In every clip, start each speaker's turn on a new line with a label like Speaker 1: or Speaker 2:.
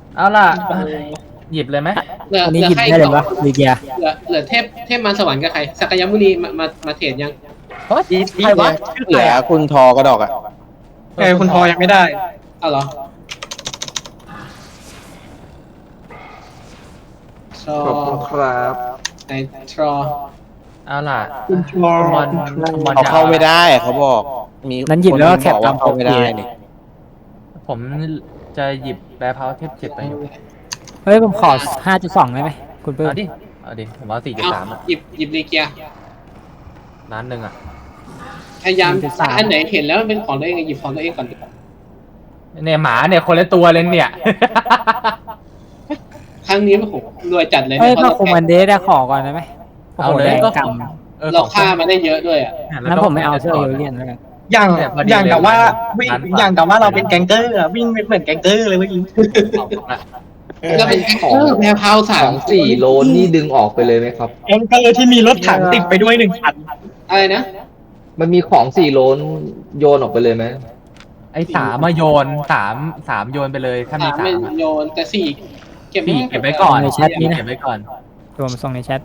Speaker 1: เอาล่ะหยิบเลยไหม
Speaker 2: เหลือ
Speaker 3: อัน
Speaker 2: เห
Speaker 3: นี้
Speaker 2: ลือ
Speaker 3: หยิบ
Speaker 2: ใคร
Speaker 3: ได้เลยวะลีเกีย
Speaker 2: เหลือเทพมารสวรรค์กับใครสักยมุนีมาเทรดยัง
Speaker 1: ใครวะ
Speaker 4: เหลือคุณทอกระดอกอ่ะ
Speaker 5: คุณทอยังไม่ได้
Speaker 2: เอาเหรอทรอ
Speaker 6: ขอบคุณครับ
Speaker 2: ในทรอ
Speaker 1: เอาล่ะ
Speaker 5: คุณทอ
Speaker 1: บอลบอล
Speaker 4: เขาเข้าไม่ได้เขาบอกมี
Speaker 3: นั้นหยิบแล้วก็แคป
Speaker 4: คน
Speaker 3: ตาม
Speaker 4: บอกว่าเข้าไม่ได้นี่
Speaker 1: ผมจะหยิบแบร์พาวเทพ7ไปอยู่
Speaker 3: เฮ้ยผมขอ 5.2 ได้ไหมคุณปื้ม
Speaker 1: เอาดิผมเอา
Speaker 2: เอา
Speaker 1: 4.3อ่ะ
Speaker 2: หยิบลีเกีย
Speaker 1: ล้านหนึ่งอ่ะ
Speaker 2: พยายามอันไหนเห็นแล้วมันเป็นของตัวเองหยิบของตัวเองก่อนดีกว่า
Speaker 1: เนี่ยหมาเนี่ยคนละตัวเลยเนี่ย
Speaker 2: ครั้งนี้โอ้โหรวยจัดเลย
Speaker 3: เฮ้ย
Speaker 2: เพ
Speaker 3: ถ้า
Speaker 2: ราะ
Speaker 3: คุมอันเดสได้ขอก่อนได้ไหมโอ้โห
Speaker 1: เอาเลย
Speaker 3: แดง
Speaker 1: ก็
Speaker 3: ก
Speaker 2: เราฆ่ามาได้เยอะด้วยอ่ะ
Speaker 3: ำนั้นผมไม่เอาเสื้อเอเลียนแล้วกัน
Speaker 5: อย่างแต่ว่าวิ่งอย่างแต่ว่าเราเป็นแก๊งเกอร์อะวิ่งเหมือนแก๊งเกอร์เลยเมื่อกี้
Speaker 2: เราเป็นแพรพาวสา
Speaker 6: ข
Speaker 2: ม
Speaker 6: อง4 โลนี่ดึงออกไปเลยไหมครับ
Speaker 5: แก๊งเกอร์ที่มีรถถังติดไปด้วย1 คัน
Speaker 2: อะไรนะ
Speaker 6: มันมีของ4 โลโยนออกไปเลยไหม
Speaker 1: ไอ้3มาโยน3โยนไปเลยถ้ามี
Speaker 2: สามเป็น
Speaker 1: 3อะ
Speaker 2: โยนแต่สี่เก็บ
Speaker 1: 4เก็บไว้ก่อน
Speaker 3: ในแชทนี้นะ
Speaker 1: เก็บไว้ก่อน
Speaker 3: รวมส่งในแชท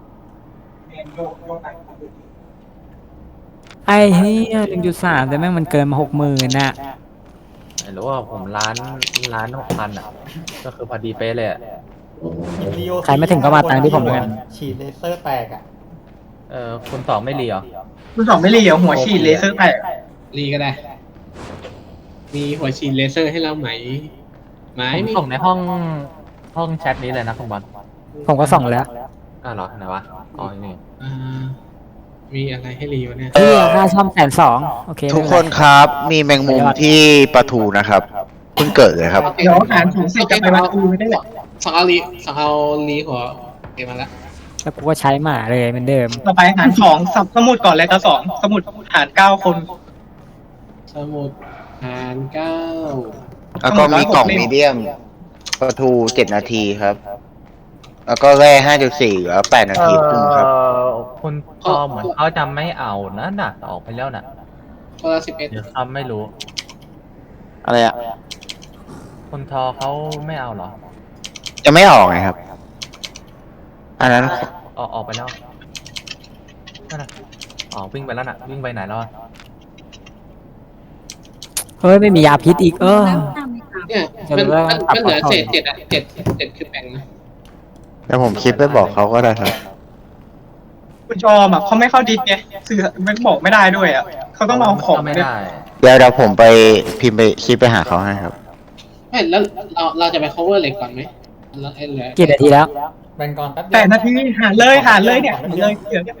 Speaker 3: ไอ้เหี้ย1.3แต่แม่งมันเกินมา 60,000น่ะ
Speaker 1: ไม่รู้ว่าผม1,600,000อ่ะก็คือพอดีเป๊ะเลยอะ
Speaker 3: ใครไม่ถึงก็มาตังค์ที่ผมแล้วกัน
Speaker 7: ฉีดเลเซอร์แตกอ่ะ
Speaker 1: คุณตอบไม่รีเหรอ
Speaker 5: คุณสองไม่รีเหรอหัวฉีดเลเซอร์แตก
Speaker 2: รีก็ได้ มีหัวฉีดเลเซอร์ให้เราไหมไหม
Speaker 1: ผม
Speaker 2: มี
Speaker 1: ส่งในห้องแชทนี้เลยนะคุณบอล
Speaker 3: ผมก็ส่งแล้ว
Speaker 1: เหรอไหนวะอ๋อนี่
Speaker 2: อ่ามีอะไรให้รีวะเนี่ย
Speaker 3: เหี้ยค่าซ่อม120,000โอเค
Speaker 4: ทุกคนครับมีแมงมุมที่ปลาทูนะครับเพิ่งเกิดเลยครับ
Speaker 5: เดี๋ยวหารของเสร็จจะไปวัดดูไม่ได้หรอ
Speaker 2: สั่งเอารีหัวเก็บมาแล้ว
Speaker 3: แล้วกูก็ใช้หมาเลยเหมือนเดิม
Speaker 5: ต่อไปหารของสมุดก่อนเลยครับ2สมุดหาร9 คน
Speaker 2: สมุดหารเก้า
Speaker 4: แล้วก็มีกล่องมีเดียมปลาทู7 นาทีครับ แล้วก็แร่5.4แล้ว8 นาทีครึ่งครับ
Speaker 1: คุณพอเหมือนเขาจะไม่เอานะน่ะออกไปแล้วน่ะ
Speaker 2: คนละ11
Speaker 1: เดี๋ยวเขาไม่รู้
Speaker 4: อะไรอ่ะ
Speaker 1: คุณทอเขาไม่เอาเหรอ
Speaker 4: จะไม่ออกไงครับ อันนั้น
Speaker 1: ออกไปแล้วนั่นน่ะวิ่งไปแล้วน่ะวิ่งไปไหนแล้วอะ
Speaker 3: เฮ้ยไม่มียาพิษอีก
Speaker 2: เนี่ย
Speaker 3: จะ
Speaker 2: มัน
Speaker 3: รู้ว่า
Speaker 2: มันเหลือ
Speaker 3: ปรับ
Speaker 2: เศษ7อ่ะ7คือแบ่งนะ
Speaker 4: แล้วผมคิดไปบอกเขาก็ได้ครับ
Speaker 5: คุณจอมเขาไม่เข้าดิสไงสื่อไม่บอกไม่ได้ด้วยอ่ะเขาต้องมาเอาของ
Speaker 1: ไม่ได้
Speaker 4: เดี๋ยวผมไปพิมพ์ไปคิดไปหาเขาให้ครับ
Speaker 2: ไม่แล้วเราจะไป cover เหล็กก่อนไหมแล้วไอ้เหลือ
Speaker 3: กี่นาทีแล้ว
Speaker 7: แบ่งก่อนแป๊บเดี
Speaker 5: 8 นาทีหารเลยเนี่ยหารเลยเดี๋ยว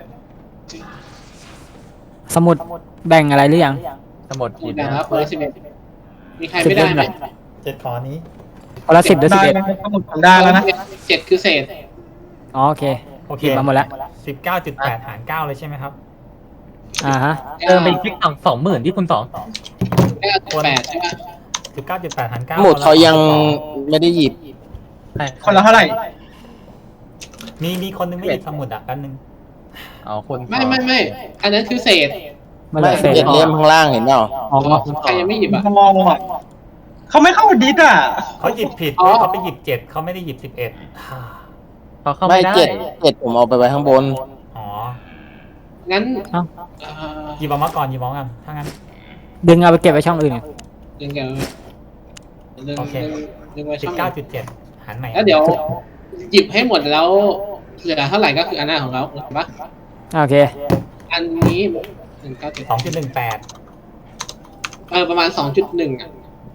Speaker 3: สมุดแบ่งอะไรหรือยัง
Speaker 1: สมุดหยิบ
Speaker 2: แบ่ง
Speaker 1: นะ
Speaker 2: แล้วคนละ11มีใครไม่ได้ไหม
Speaker 7: 7 ขอนี้
Speaker 3: คนละ10หรือ
Speaker 5: ได้
Speaker 3: 11
Speaker 5: แล้วสมุดผมได้แล้วนะ
Speaker 2: 7คือเศษ
Speaker 3: อ๋อโอเค
Speaker 7: โอเค
Speaker 3: หยิบมาหมดแล้ว
Speaker 7: 19.8 หาร 9 เลยใช่ไหมครับ
Speaker 3: ฮะ
Speaker 1: เติมไปอีกที่20,000ที่คุณสอง
Speaker 2: 9.8ใช่ไหม
Speaker 7: 19.8 หาร 9
Speaker 4: หมุดเขายังไม่ได้หยิบ
Speaker 5: คนละเท่าไหร่
Speaker 7: มีคนนึงไม่หยิบสมุดอ่ะแป๊บนึง
Speaker 1: เอาคุณ
Speaker 2: ไม่อันนั้นคือเศษ
Speaker 3: มาเลยเสร็จ
Speaker 4: 7 เล่มข้างล่างเห็นเปล่า
Speaker 3: อ๋อ
Speaker 2: ใครยังไม่หยิบอ่ะ
Speaker 5: มองอ่ะเขาไม่เข้าดิสอ่ะ
Speaker 7: เขาหยิบผิด
Speaker 2: อ๋อ
Speaker 7: เขาไปหยิบ 7 เขาไม่ได้หยิบ 11
Speaker 1: เขาเข้า
Speaker 4: ไม่
Speaker 1: ไม่ได้
Speaker 4: 7ผมเอาไปไว้ข้างบน
Speaker 7: อ๋อ
Speaker 2: งั้น
Speaker 3: เอ้า
Speaker 7: หยิบออกมาก่อนหยิบออกมาก่อนถ้างั้น
Speaker 3: ดึงเอาไปเก็บไว้ช่องอื่น
Speaker 2: ดึงกันดึง
Speaker 7: โอเค
Speaker 2: ดึงไว้ช่อง
Speaker 7: 19.7 หารใหม่
Speaker 2: แล้วเดี๋ยวหยิบให้หมดแล้วเหลือเท่าไหร่ก็คืออันหน้าของเราถูกปะ
Speaker 3: โอเค
Speaker 2: อันนี้197
Speaker 7: 2.18
Speaker 2: ประมาณ 2.1อ่ะ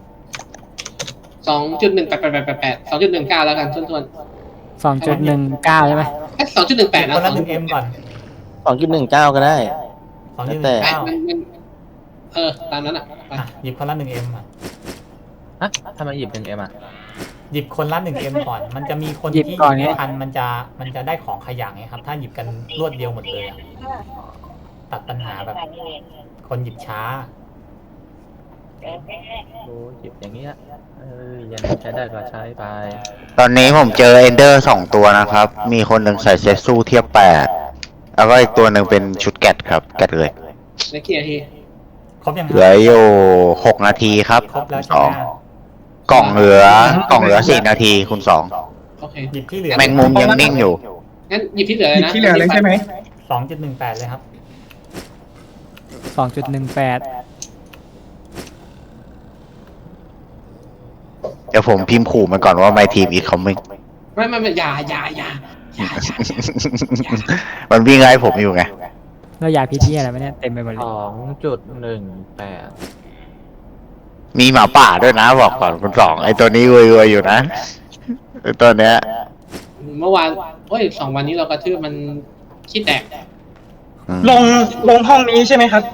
Speaker 2: 2.18888 2.19แล้วกันทวน
Speaker 3: 2.19 ใช่ไหม
Speaker 2: ๆ2.18 นะ
Speaker 7: คนละ 1M ก่อน
Speaker 4: 2.19 ก็ได้ แต่
Speaker 7: 2.19
Speaker 2: ตามนั้นอ่ะไป
Speaker 7: อ่ะหยิบคนละ 1M อ่ะ
Speaker 1: ฮะทำไมหยิบ1Mอ่ะ
Speaker 7: หยิบคนละ 1M ก่อน มันจะมีคน
Speaker 3: หยิบ
Speaker 7: ที่
Speaker 3: ก่อน
Speaker 7: หยิ
Speaker 3: ไง
Speaker 7: บไม่ทันมันจะได้ของขยักไงครับ ถ้าหยิบกันรวดเดียวหมดเลยอ่ะ ตัดปัญหาแบบ คนหยิบช้า
Speaker 1: โอ้หยิบอย่างเงี้ยยังใช้ได้ก็ใช้ไป
Speaker 4: ตอนนี้ผมเจอเอนเดอร์2 ตัวนะครับ มีคนหนึ่งใส่เซตสู้เทียบ8แล้วก็อีกตัวหนึ่งเป็นชุดแกตครับ แกตเลย
Speaker 2: ในกี่นาที
Speaker 7: ครบยังค
Speaker 4: เหลื
Speaker 7: รั
Speaker 4: อบ อยู่6 นาทีครับ
Speaker 7: ครบแล้วใช่ไหม
Speaker 2: โ
Speaker 4: กล่องเหลือ4 นาทีคุณสอง
Speaker 2: โอเค
Speaker 7: หยิบที่เหลือ
Speaker 4: แมงมุมยังนิ่งอยู่
Speaker 2: งั้นหยิบที่เหลือเลยนะ
Speaker 5: ที่เหลือเลยใช่ไหม
Speaker 7: 2.18 เลยครับ
Speaker 3: 2.18
Speaker 4: เดี๋ยวผมพิมพ์ขู่มันก่อนว่า my team is coming
Speaker 2: ไม่อย่า
Speaker 4: มันวิ่งไล่ผมอยู่ไง
Speaker 3: แล้วยาพิษที่อะไรวะเนี่ยเต็มไปหมดเลย
Speaker 1: 2.18
Speaker 4: มีหมาป่าด้วยนะบอกก่อนคุณสองไอตัวนี้รวยๆอยู่นะไอตัวเนี้ย
Speaker 2: เมื่อวาน2 วันนี้เรากระทืบมันขี้แตก
Speaker 4: อืม
Speaker 5: ลงห้องนี้ใช่ไหมครับ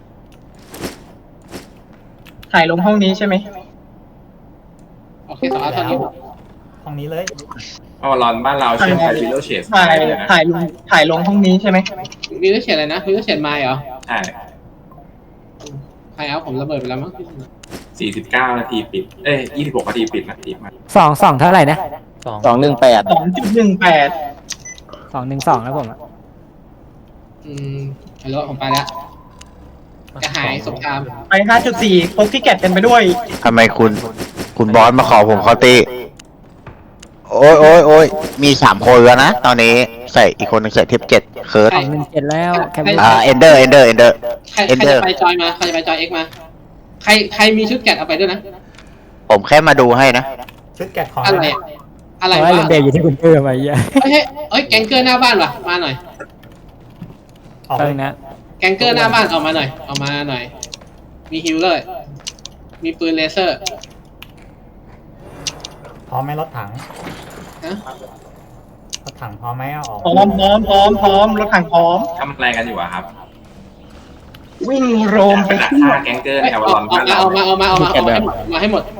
Speaker 5: ถ่ายลงห้องนี้ใช่ไหม
Speaker 2: โอเคต่อเท่านี้
Speaker 7: ห้องนี้เลย
Speaker 8: อ๋อรอนบ้านเราใช่ไหมวิลโลเชส
Speaker 5: ถ่ายลงห้องนี้ใช่ไหม
Speaker 2: วิลเชตอะไรนะวิลเชตไมล์เหรอ
Speaker 8: ใช่
Speaker 2: ใครเอาผมระเบิดไปแล้วมั้ง
Speaker 8: 49 นาทีปิด 26 นาทีปิดนะทีมา
Speaker 3: 2 เท่าไหร่นะ
Speaker 4: 218
Speaker 5: 2.18
Speaker 3: 212แล้วผมอะ
Speaker 2: ฮัลโหลผมไปแล้วจะหายสงคราม
Speaker 5: ไป 5.4 พกที่แกะเต็มไปด้วย
Speaker 4: ทำไมคุณบอสมาขอผมเขาตีโอ้ยมี3 คนแล้วนะ ตอนนี้ใส่อีกคนหนึงใส่เทป7เคิร์ด
Speaker 3: 217แล้วแคป
Speaker 4: เอนเดอร์
Speaker 2: ใครจะไปจอยมาใครจะไปจอยเอ็กมา ใครมีชุดแกะเอาไปด้วยนะ
Speaker 4: ผมแค่มาดูให้นะ
Speaker 7: ชุดแกะของ
Speaker 2: อะไรอะอะไร
Speaker 3: เอา
Speaker 2: วะ
Speaker 3: ไว้เลนเดย์อยู่ที่คุณเอื้อมไอ้เหี้ย
Speaker 2: แกงเกอร์หน้าบ้านวะมาหน่อย
Speaker 7: ออก
Speaker 3: เพิ่
Speaker 7: เล
Speaker 3: ง
Speaker 7: ย
Speaker 3: นะ
Speaker 2: แกงเกอร์หน้าบ้านออกมาหน่อย มีฮิลเลอร์ มีปืนเลเซอร์
Speaker 7: พร้อมไหมรถถัง
Speaker 2: ฮะ
Speaker 7: รถถังพร้อมไหมเอาออก
Speaker 5: พร้อมรถถังพร้อม
Speaker 8: ทำอะไรกันอยู่อะครับ
Speaker 5: วิ่งโรมไป
Speaker 8: ดัก
Speaker 5: ทั่ว
Speaker 8: ฆ่าแก๊งเกอร์ในอวารอนบ้านเรา
Speaker 2: มาให้หมด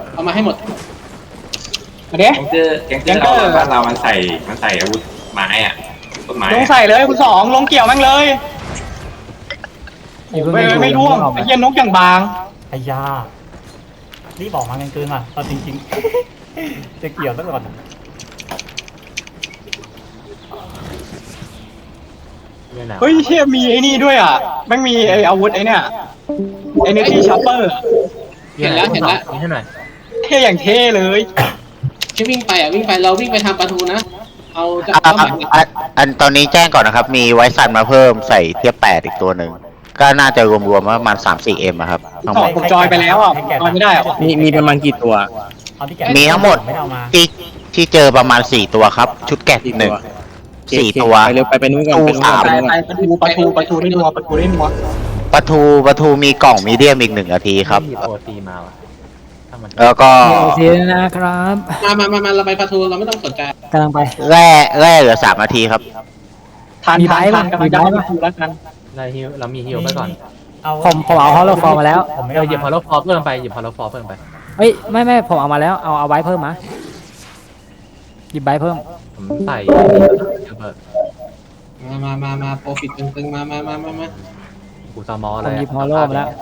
Speaker 5: มาเด้
Speaker 8: แก๊งเกอร์ในอวารอนบ้านเรามันใส่อาวุธไม้อะต้นไม้
Speaker 5: ลง
Speaker 8: อะ
Speaker 5: ใส่เลยคุณสองลงเกี่ยวแม่งเลยไม่ร่วงไอ้เหี้ยนกอย่างบาง
Speaker 7: ไอ้ยารีบออกมากันเกินว่ะเอาจริงๆ จะเกี่ยวซะก่อน
Speaker 5: เฮ้ยเชี่ยมีไอ้นี่ด้วยอ่ะแม่งมีไอ้อาวุธไอ้เนี่ยไอ้เนตี้ช็อปเปอร์
Speaker 2: เห็นแล้ว
Speaker 1: นี่ให้หน่อย
Speaker 5: เท่อย่างเท่เลย
Speaker 2: ที่วิ่งไปเราวิ่งไปทางประตูนะ เอาจะ
Speaker 4: อันตอนนี้แจ้งก่อนนะครับ มีไวซันมาเพิ่มใส่เทียบ8อีกตัวหนึ่ง ก็น่าจะรวมๆประมาณ 3-4 M อะครับทั้งหมด
Speaker 5: ผมจอยไปแล้วอ่ะจอยไม่ได้อ่ะ
Speaker 3: มีประมาณกี่ตัว
Speaker 7: เอาที่แกะ
Speaker 4: มีทั้งหมด
Speaker 7: ไม่ได้เอามา
Speaker 4: ที่เจอประมาณ4 ตัวครับ ชุดแกะ1 4 ตัว
Speaker 3: ไปเร็วไปนู่นก่อน
Speaker 4: ตู้สาม
Speaker 5: ไปประตูได้นัว
Speaker 4: ประทูมีกล่องมีเดียมอีก1 นาทีครับ
Speaker 1: หยิบโอซีมาว่ะถ้ามัน
Speaker 4: แล้วก็
Speaker 3: โอเคนะครับ
Speaker 2: มาเราไปประตูเราไม่ต้องสนใจ
Speaker 3: กำลังไป
Speaker 4: แร่เหลือ3 นาทีครับ
Speaker 5: ทานกำลังจะเข้าประตูแล้วกัน
Speaker 1: เรามีฮิลไปก่อน
Speaker 3: ผมเอาฮอลโลฟอร์มาแล้ว
Speaker 7: ผมไม่
Speaker 1: เอ
Speaker 7: เอา
Speaker 1: อหยิบฮอลโลฟอร์เพิ่มไปหยิบฮอลโลฟอร์เพิ่มไป
Speaker 3: เฮ้ยไม่ผมเอามาแล้วเอาไว้เพิ่มมาหยิบใบเพิ่ม
Speaker 1: ผมใส่เบิร์ด
Speaker 2: มาโปรฟิตตึงมา
Speaker 1: กูซามอ
Speaker 3: ผ
Speaker 1: อะไร
Speaker 3: มหยิบฮอลโลมาแล้ว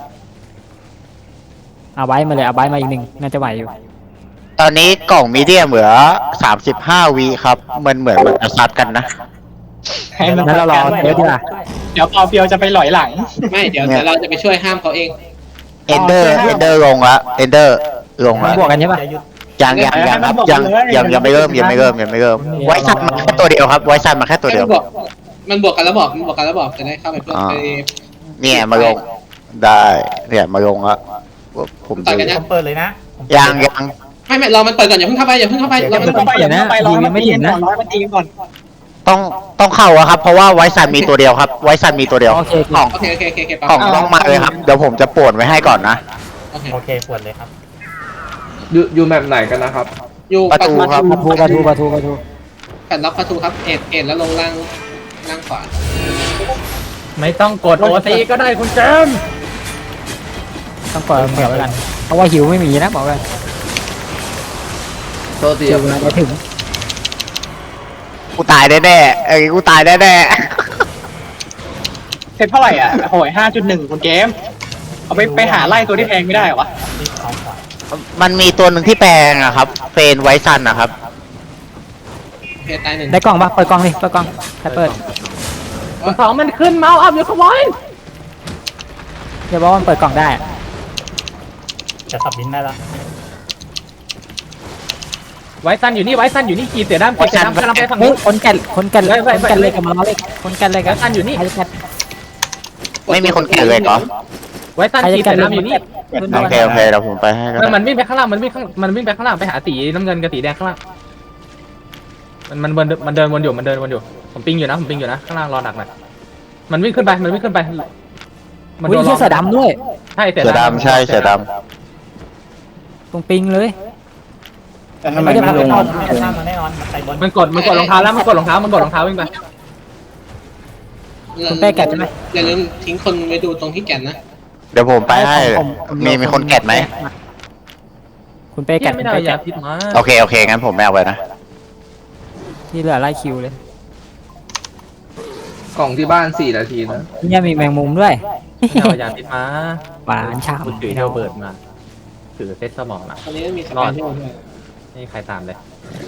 Speaker 3: เอาไว้มาเลยเอาไว้มาอีก1น่าจะไหวอยู่
Speaker 4: ตอนนี้กล่องมีเดียมเหลือ35 วิครับมันเหมือนมันจะซัดกันนะ
Speaker 5: ให้มัน
Speaker 3: งั้นเรารอเดี๋ยวดีกว่า
Speaker 5: เดี๋ยวเปียวจะไปหลอยหลัง
Speaker 2: ไม่เดี๋ยวเราจะไปช่วยห้ามเขาเอง
Speaker 4: เอนเดอร์ลงละเอนเดอร์ลง
Speaker 3: มัน
Speaker 4: ละ
Speaker 3: บวกกันใช่ปะ
Speaker 7: อย่าหยุด
Speaker 4: ยังครับยังไม่เริ่มไว้ซันมาแค่ตัวเดียวครับไว้ซันมาแค่ตัวเดียว
Speaker 2: มันบวกกันแล้วบอกจะได้เข้าไปเพื่อไป
Speaker 4: เนี่ยมาลงได้เนี่ยมาลงละผม
Speaker 2: ต่อยกันยั
Speaker 7: ผมเปิดเลยนะผม
Speaker 4: ยัง
Speaker 2: ไม่รอมันเปิดก่อนอย่าเพิ่งเข้าไปเรา
Speaker 5: มันต้องไปอย่างนั้นไปร้อยมันตีกันก่อน
Speaker 4: ต้องเข้าอะครับเพราะว่าไว้ซันมีตัวเดียวครับไว้ซันมีตัวเดียว
Speaker 3: โอเค
Speaker 4: กล่อง
Speaker 2: โอเค
Speaker 4: กล่องต้องมาเลยครับเดี๋ยวผมจะป่วนไว้ให้ก่อนนะ
Speaker 7: โอเคปวดเลยครับ
Speaker 6: อยู่แมปไหนกันนะครับ
Speaker 2: อยู่
Speaker 4: ประตูครับ
Speaker 3: ประตู
Speaker 2: แผ่นล็อกประตูครับเอ็ดแล้วลงล่างขวา
Speaker 1: ไม่ต้องกดโอซีก็ได้คุณเจมส์
Speaker 3: ต้องเปิดเหมือนไว้กันเพราะว่าหิวไม่มีนะบอกเลย
Speaker 6: โทษที
Speaker 3: หิวนะจะถึง
Speaker 4: กูตายแน่ๆกูตายแน่
Speaker 5: เซ็ตเท่าไหร่อ่ะโหย 5.1 คุณเกมเอาไปหาไล่ตัวที่แพงไม่ได้หรอวะ
Speaker 7: รีบเอาขวา
Speaker 4: ๆมันมีตัวหนึ่งที่แปลงอะครับเฟนไว้ซันนะครับ
Speaker 2: เพตาย1
Speaker 3: ได้กล่องปะเปิดกล่องดิเปิดกล่องใครเปิด
Speaker 1: สองมันขึ้นเมาส์อัพอยู่ขโมย
Speaker 3: อย่าบอกว่ามันเปิดกล่องได้
Speaker 7: จะสับบินได้ละ
Speaker 1: ไว้สั้นอยู่นี่ไว้สั้นอยู่นี่ขีดเสือดำขีดเสือดำกำลังไปฝั่ง
Speaker 3: เฮ้ย
Speaker 1: นู้น
Speaker 3: คนแก่นเลยกับมาล้อเลยคนแก่นเลยกับ
Speaker 1: สั้นอยู่นี่
Speaker 3: ใครจะแก่น
Speaker 4: ไม่มีคนแก่เลยเหรอ
Speaker 1: ไว้สั้น
Speaker 3: ใคร
Speaker 1: ขี
Speaker 3: จะ
Speaker 1: ด
Speaker 3: แก่
Speaker 1: เสื
Speaker 3: น
Speaker 1: อดำอยู่นี่
Speaker 4: โอเคโอเคเดี๋ยวผมไปให้ก็ได้
Speaker 1: มันวิ่งไปข้างล่างมันวิ่งไปข้างล่างไปหาสีน้ำเงินกับสีแดงข้างล่างมันเดินวนอยู่ผมปิงอยู่นะข้างล่างรอหนักหน่อยมันวิ่งขึ้นไปมัน
Speaker 3: อุ้ยเชี่ยเสือดำด้วย
Speaker 1: ใช่เสือ
Speaker 4: เสือ
Speaker 1: ดำ
Speaker 4: ดำใช่เสือด
Speaker 3: ตรงปิงเลย
Speaker 6: แต่ทำไมไม่ลง
Speaker 7: ข้ามมาแน่นอนมันไปบน
Speaker 1: มันกดรองเท้าแล้วมันกดรองเท้าวิ่งไป
Speaker 3: คุณเป้แก่นใช่ไหม
Speaker 2: อย่าลืมทิ้งคนไว้ดูตรงที่แก่นนะ
Speaker 4: ำเดี๋ยวผมไปให้มีคนแกะไหม
Speaker 3: คุณเป้แก่น
Speaker 1: ไม่ได้ยาพิษมา
Speaker 4: โอเคงั้นผมไม่เอาไปนะ
Speaker 3: ที่เหลือไล่คิวเลย
Speaker 6: กล่องที่บ้าน4 นาทีนะ
Speaker 3: เนี่ยมีแมงมุมด้วย
Speaker 1: ไม่ได้ยาพิษมา
Speaker 3: หวานฉ่ำ
Speaker 1: ถือเทลเบิร์ดมาถือเซตสมองมา
Speaker 2: ตอนนี้มีสแปนด้วย
Speaker 1: นี่ใครตามเลย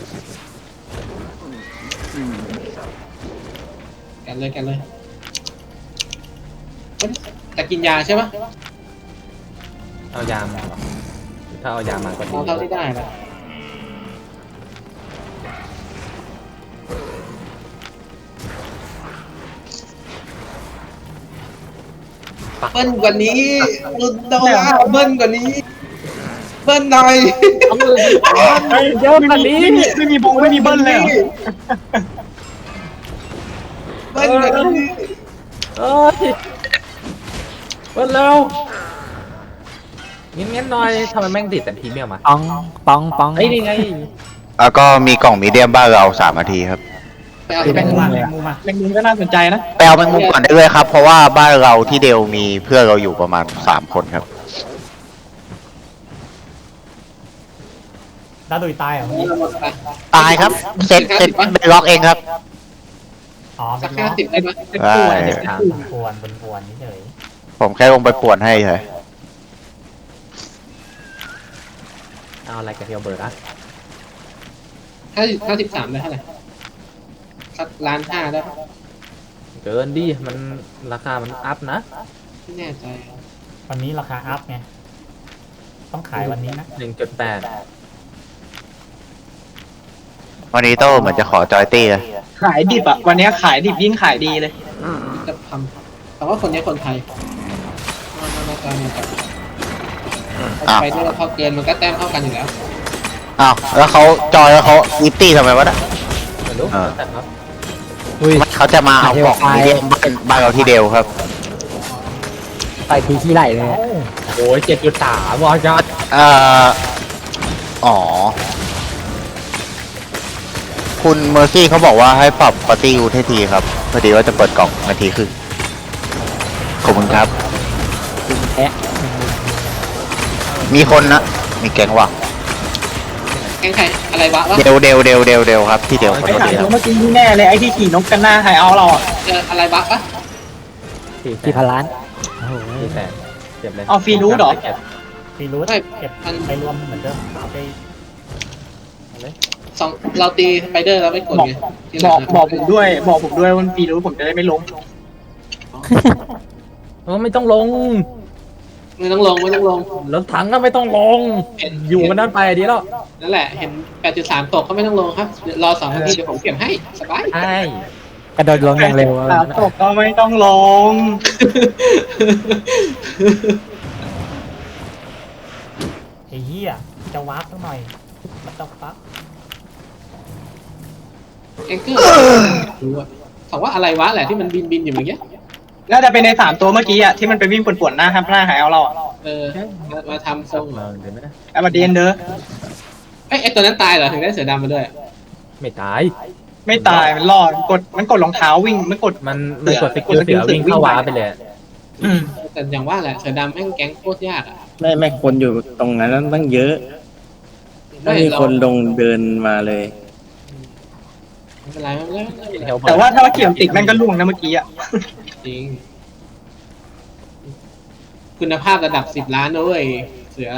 Speaker 2: แก่นเลยแต่กินยาใช่ปะ
Speaker 1: เอายามาถ้าเอายามาก็ดี
Speaker 2: เอาเท่าที่ได้นะเบิ้ลกว่านี้รุนโดว่าเบิ้ลกว่านี้ เบิ้ลหน่อย
Speaker 1: เยอะขนาดนี้
Speaker 5: ไม่มีบงไม่มีเบิ้ลเลยเหรอ
Speaker 2: เบิ้ลกว่านี้
Speaker 1: เอ้ยเปิดเร็วงั้นหน่อยทำไมแม่งติดแต่พรีเมียมมา
Speaker 3: ปอง
Speaker 1: เฮ้ยนี่ไง
Speaker 4: แล้วก็มีกล่องมีเดียมบ้านเรา3 นาทีครับ
Speaker 2: ไปเอา
Speaker 7: แม
Speaker 2: แบ
Speaker 7: ง
Speaker 2: ง
Speaker 7: มุ
Speaker 2: ค์
Speaker 7: ม
Speaker 2: มา
Speaker 7: แมงมุมมา
Speaker 5: แมงมุมก็น่าสนใจนะ
Speaker 4: ไปเอาแมงมุมก่อนได้เลยครับ เพราะว่าบ้านเราที่เดียวมีเพื่อนเราอยู่ประมาณ3 คนครับ
Speaker 7: ดาดุยตายเหรอเมื่อกี้
Speaker 4: ตายครับเซ็ตเป็นล็อกเองครับ
Speaker 7: อ๋อ
Speaker 2: สั
Speaker 7: เป็
Speaker 2: ก
Speaker 7: นล้อ
Speaker 2: 50ได้ไหม
Speaker 4: ได้
Speaker 7: ปวนนี่เฉย
Speaker 4: ผมแค่ลงไปป่วนให้เฉย
Speaker 1: เอาอะไรกับเทลเบิร์ดอะ
Speaker 2: 53ได้เท่าไหร่สัก1,500,000ได้ปะ
Speaker 1: เกินดิมันราคามันอัพนะ
Speaker 2: ไม่แน่ใจ
Speaker 7: วันนี้ราคาอัพไงต้องขายวันนี้นะ
Speaker 1: 1.8
Speaker 4: วันนี้โต้เหมือนจะขอจอยตี้เลย
Speaker 5: ขายดิบอ่ะ วันนี้ขายดิบยิ่งขายดีเลย
Speaker 2: จะทำแต่ว่าคนนี้คนไทยมา
Speaker 4: อ้าว
Speaker 2: ไปด้วยเท่าเกินมันก็แต้มเท่ากันอยู่แล้ว
Speaker 4: อ้าวแล้วเขาจอยแล้วเขาอีตี้ทำไมวะน่ะ
Speaker 1: ไม่รู้
Speaker 4: อ่า
Speaker 1: แต่ครับ
Speaker 3: อุ้ย
Speaker 4: เขาจะมาเอากล่องมีเดียมบ้านเราที่เดียวครับ
Speaker 3: ไปทีขี้ไหลเลย
Speaker 1: โอ้ย7.3วอจัด
Speaker 4: อ๋อ คุณเมอร์ซี่เขาบอกว่าให้ปรับปาร์ตี้ยูให้ทีครับพอดีว่าจะเปิดกล่องนาทีครึ่งขอบคุณครับ
Speaker 3: แอะ
Speaker 4: มีคนนะ มีแก๊งว่ะ
Speaker 2: แข่งใครอะไรวะ
Speaker 4: เดวครับที่เดียวขอ
Speaker 5: ไอ้
Speaker 4: โทษ
Speaker 5: ขาย
Speaker 4: ทีค
Speaker 5: ตั
Speaker 4: รั
Speaker 5: ว
Speaker 4: บ
Speaker 5: เมื่อกี้นี่แน่เลยไอ้ที่ขี่นกกันหน้าไฮเอาเราอ่ะ
Speaker 2: เจออะไรวะปะ
Speaker 3: กี่พันล้านโอ้โห
Speaker 1: 400,000เก็บเลย
Speaker 5: เอาฟรีรูทเหรอ
Speaker 7: ฟีรูทเก็บไปรวมเหมือนเดิมเอาไป
Speaker 2: สองเราตีสไปเดอร์แล้วไม่กดไงที่ห
Speaker 5: บ
Speaker 2: ลั
Speaker 5: อง กบอกผมด้วยว่าฟรีรูทผมจะได้ไม่ลง
Speaker 1: ไม่ต้องลง
Speaker 2: ไม่ต้องลง
Speaker 1: รถถังก็ไม่ต้องลง อยู่มันนั่นไปดีแล้ว
Speaker 2: นั่นแหละเห็น 8.3 ตกก็ไม่ต้องลงครับรอ2 นาทีเดี๋ยวผมเก็บให้สบาย
Speaker 1: ใช่
Speaker 3: กระโดดลงอย่างเร็ว
Speaker 5: สามตกก็ไม่ต้องลง
Speaker 7: ไอ้เหี้ยจะวาร์ปสักหน่อยมันต้องปั๊บ
Speaker 2: แองเกอร์รู้อะเขาว่าอะไรวะแหละที่มันบินอยู่อย่างเงี้ย
Speaker 5: น่าจะเป็นใน3 ตัวเมื่อกี้อ่ะที่มันไปวิ่งป่วนๆหน้าครับหน้าไฮเอาเราอ่ะ
Speaker 2: มาทำทรง
Speaker 1: เดี๋ยวนะ
Speaker 5: ไอ้บัดเดนเด้อ
Speaker 2: ไอ้ตัวนั้นตายเหรอถึงได้เสือดำมาด้วย
Speaker 1: ไม่ตาย
Speaker 5: ไม่ตายมันรอดมันกดรองเท้าวิ่งมันกด
Speaker 1: มันกดสกิลเสือวิ่งเข้าวาร์ปไปเลย
Speaker 2: แต่อย่างว่าแหละเสือดำแม่งแก๊งโคตรยากอ่ะ
Speaker 9: ไม่คนอยู่ตรงนั้นตั้งเยอะไม่มีคนลงเดินมาเลย
Speaker 2: ไม่เป็นไรไม่เป็นไร
Speaker 5: แต่ว่าถ้าว่าเกี่ยวติดแม่งก็ล่วงนะเมื่อกี้อ่ะ
Speaker 2: จริงคุณภาพระดับ10 ล้านนะเว้ยเสือ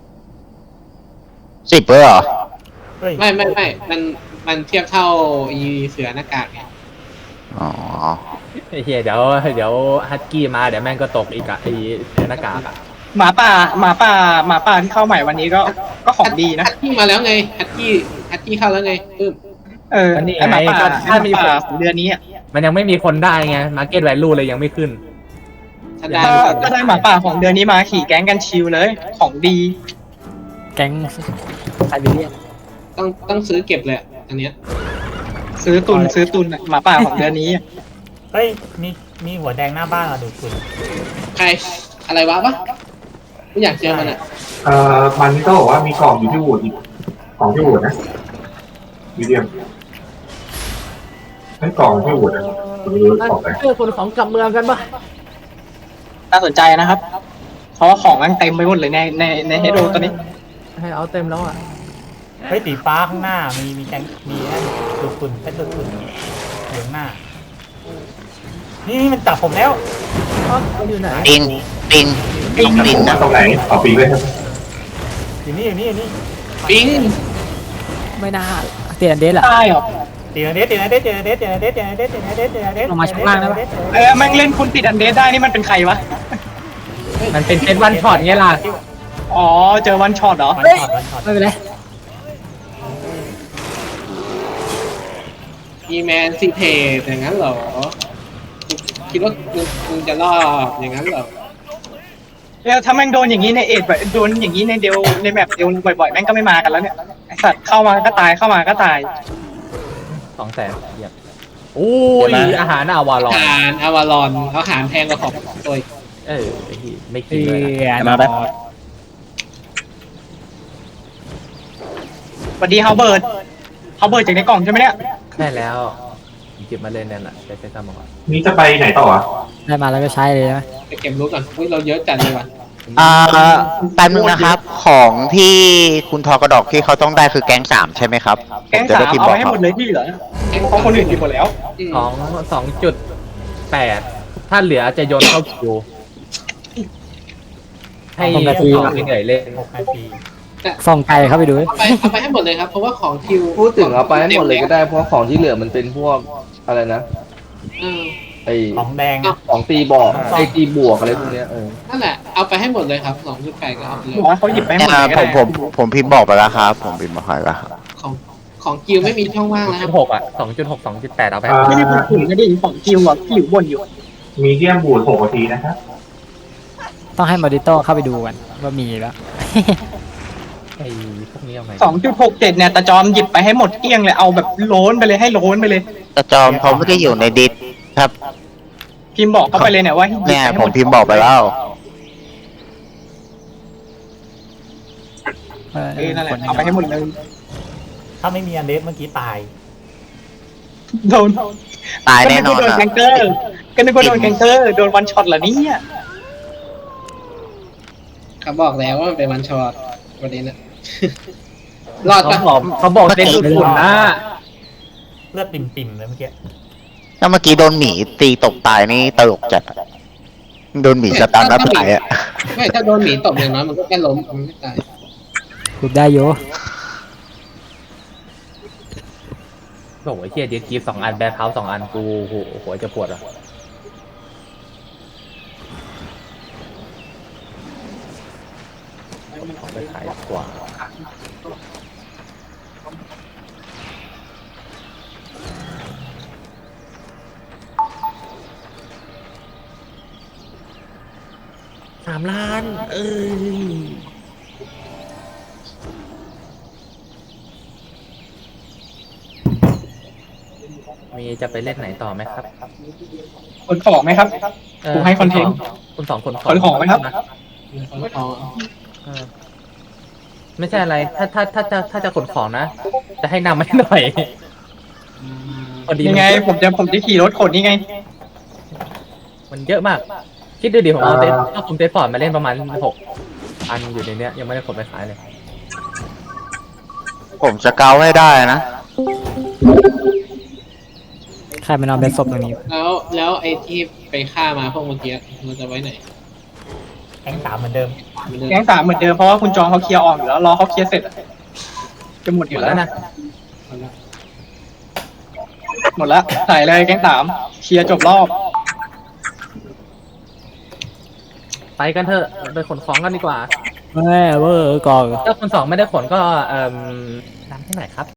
Speaker 4: 10เลยเหรอ
Speaker 7: เฮ้ย
Speaker 2: ไม่มันเทียบเท่าอีเสือหน้ากากไง
Speaker 4: อ๋อ
Speaker 1: ไอ้เหี้ยเดี๋ยวฮัตกี้มาเดี๋ยวแม่งก็ตกอีกอะไอ้หน้ากากอะ
Speaker 5: หมาป่าที่เข้าใหม่วันนี้ก็ของดีนะ
Speaker 2: ฮัตกี้มาแล้วไงฮัตกี้อาร์ตี้เข้าแล้วไง
Speaker 5: ไอหมาป่าถ้ามีป่าของเดือนนี้
Speaker 1: มันยังไม่มีคนได้ไง Market Value เลยยังไม่ขึ้น
Speaker 2: ถ้าได้
Speaker 5: ถ้าได้หมาป่าของเดือนนี้มาขี่แก๊งกันชิลเลยของดี
Speaker 3: แก๊งไซบีเรียน
Speaker 2: ต้องซื้อเก็บเลยอันเนี้ย
Speaker 5: ซื้อตุนหมาป่าของเดือนนี้
Speaker 7: เฮ้ยมีหัวแดงหน้าบ้านอะดูคุณ
Speaker 2: ใครอะไรวะไม่อยากเจอมันอ่ะ
Speaker 8: มันก็บอกว่ามีกล่องอยู่ที่วูดอีกของที่วูดนะมีเดียมให้กล่องที่วูดนะของไป
Speaker 1: คนของกลับเมืองกันปะ
Speaker 5: น่าสนใจนะครับ เพราะว่าของมันเต็มไปหมดเลยในเฮโดตอนนี้
Speaker 1: ให้เอาเต็มแล้วอ่ะ
Speaker 7: เฮ้ยสีฟ้าข้างหน้ามีแดงมีนั่นดูคุณเป็นดูคุณเหลืองหน้านี่มันจับผมแล้ว
Speaker 1: อยู่ไหน
Speaker 4: ปิงปิงปิงนะ
Speaker 8: ตรงไหนเอาปีไว้ครับ
Speaker 7: อยู่นี่
Speaker 2: ปิง
Speaker 3: ไม่น่าเตียนเดสแหละ
Speaker 5: ได้หรอ
Speaker 7: ตีนเดส
Speaker 3: ลงมาชั้นล่างได้ปะ
Speaker 5: แม่งเล่นคุณติดอันเดสได้นี่มันเป็นใครวะ
Speaker 1: มันเป็นเซตวันช็อตไงล่ะ
Speaker 5: อ๋อเจอวันช็อตเหรอ
Speaker 7: วันช็อต
Speaker 3: ไม่เป็นไร
Speaker 2: มีแมนซีเทสอย่างนั้นเหรอคิดว่ามึงจะรอดอย่างนั้นเหรอ
Speaker 5: ถ้าแม่งโดนอย่างนี้ในเอ็ดโดนอย่างนี้ในเดลในแมปเดลบ่อยๆแม่งก็ไม่มากันแล้วเนี่ยไอสัตว์เข้ามาก็ตายเข้ามาก็ตาย
Speaker 1: 200,000เหยียบโอ้ยอาหารอาวาลอน
Speaker 2: อาหารอวารอนเขาหารแพงกว่าของตัวอีก
Speaker 1: ไม่คิ
Speaker 3: เตี
Speaker 1: ดเลย
Speaker 3: ยน
Speaker 9: มาแบบ
Speaker 5: สวัสดีเฮาเบิร์ดจากในกล่องใช่ไหมเนี่ย
Speaker 1: ใช่แล้วเก็บมาเล่นนั่นแหละใช้ซ้ำมาก่อน
Speaker 8: นี่จะไปไหนต่ออ่ะ
Speaker 3: ได้มาแล้วก็ใช้เลยนะ
Speaker 2: ไปเก็บรู้ก่อนอุ้ยเราเยอะจัดเลยว่ะ
Speaker 4: แป๊บนึงนะครับ ของที่คุณทอกระดอกที่เขาต้องได้คือแก๊ง3ใช่ไหมครับ
Speaker 5: แก๊ง
Speaker 4: ผมจะ
Speaker 5: สา
Speaker 4: ได้
Speaker 5: ม
Speaker 4: พิมพ์
Speaker 5: เอา
Speaker 4: บอ
Speaker 5: ไป
Speaker 4: ก
Speaker 5: ให้
Speaker 4: เขา
Speaker 5: หมดเลยที่เหลือเพราะคนอื่นกินหมดแล้ว
Speaker 1: 2.8ถ้าเหลือจะโยนเข้าคิวให้ต่อเหนื่อยเล่น
Speaker 7: 6 นาที
Speaker 3: ส่องไก่เข้าไปดู
Speaker 2: เอาไปให้หมดเลยครับเพราะว่าของคิว
Speaker 6: พูดถึงเอาไปให้หมดเลยก็ได้เพราะของที่เหลือมันเป็นพวกอะไรนะ
Speaker 2: เออ
Speaker 6: ไอ
Speaker 7: ของแดง
Speaker 6: ของตีบอกไอตีบวกอะไรพวกเนี้ย
Speaker 2: นั่นแหละเอาไปให้หมดเลยครับ2.8ก็เอาไปเลย
Speaker 5: บอกว่าเขาหยิบไปให้หมดเลยก็
Speaker 4: ผ
Speaker 5: ได้
Speaker 4: มพิมพ์บอกไปแล้วครับ ผมพิมพ์บอกไปแล้วครับ
Speaker 2: ของคิวไม่มีช่องว่างแล้วครับ
Speaker 1: 2.6อ่ะ2.6 2.8เอาไป
Speaker 5: ไม่ได้พูดถึงนะดิของกิวอ่ะที่อยู่บนอยู่
Speaker 8: มีเดียมบูด6 นาทีนะครับ
Speaker 3: ต้องให้มอดิโต้เข้าไปดูกันว่ามีแล้ว
Speaker 1: ไอ้พวกนี้เอาไง
Speaker 5: 2.67เนี่ยตาจอมหยิบไปให้หมดเกลี้ยงเลยเอาแบบโล้นไปเลยให้โล้นไปเลย
Speaker 4: แต่จอมเขาไม่ได้อยู่ในดิสครับ
Speaker 5: พิมพ์บอกเข้าไปเลยเนี่ยว่าให้หยิบ
Speaker 4: เนี่ย
Speaker 5: ให้ห
Speaker 4: ผม
Speaker 5: ด
Speaker 4: พิมพ์บอกไปแล้ว
Speaker 5: นั่นแหละเอาไปให้หมดเลย
Speaker 7: ถ้าไม่มีอันเดสเมื่อกี้ตาย
Speaker 5: โดน
Speaker 4: ตายแน่นอน
Speaker 5: ก็นึกว่าโดน
Speaker 4: อะ
Speaker 5: แกงเกอร์ก็นึกว่าโดนแกงเกอร์โดนวันช็อตเหรอเนี่ย
Speaker 2: เขาบอกแล้วว่ามันเป็นวันช็อตวันนี้นะ รอดปะ
Speaker 1: เขาบอกเต้นสุดฝุ่นนะ
Speaker 7: เลือดปิ่มๆเลยเมื่อกี้
Speaker 4: ถ้าเมื่อกี้โดนหมีตีตกตายนี่ตลกจัดอะโดนหมีสตันแล้วตายอ่ะ
Speaker 2: ไม่ถ้าโดนหมีตบอย่างน้อยมันก็แค่ล้มมันไม่ตาย
Speaker 3: คุบได้โย
Speaker 1: โอ้โหเฮียเดียกีฟ2 อันแบคเฮาส์2 อันกูหัวจะปวดอ่ะเอาไปขายกว่า3 ล้านมีจะไปเล่นไหนต่อไหมครับ
Speaker 5: ขนของไหมครับ กูให้คอนเทนต์
Speaker 1: คุณสองคน
Speaker 5: ขนของไหมครับ
Speaker 1: ไม่ใช่อะไร ถ้าจะขนของนะ จะให้นำมาให้หน่อยพอดี
Speaker 5: ยังไงผมจะขี่รถขนนี่ไง
Speaker 1: มันเยอะมาก คิดดูดิผมเอาถ้าผมเตสฟอร์ดมาเล่นประมาณ6 อันอยู่ในเนี้ยยังไม่ได้ขนไปขายเลย
Speaker 4: ผมจะเกาให้ได้นะ
Speaker 3: ใครมานอนเป็นศพตรงนี้
Speaker 2: แล้วไอ้ที่ไปฆ่ามาพวกเมื่อกี้มันจะไว้ไหน
Speaker 7: แก๊ง3เหมือนเดิม
Speaker 5: แก๊ง3เหมือนเดิมเพราะว่าคุณจองเขาเคลียร์ออกอยู่แล้วรอเขาเคลียร์เสร็จจะหมดอยู่แล้ว
Speaker 1: นะ
Speaker 5: หมดแล้วใส่เลยแก๊ง3เคลียร์จบรอบ
Speaker 1: ไปกันเถอะไปขนของกันดีกว่า
Speaker 3: แม่เวอร์ก่อน
Speaker 1: ถ้าคน2ไม่ได้ขนก็นำให้หน่อยครับ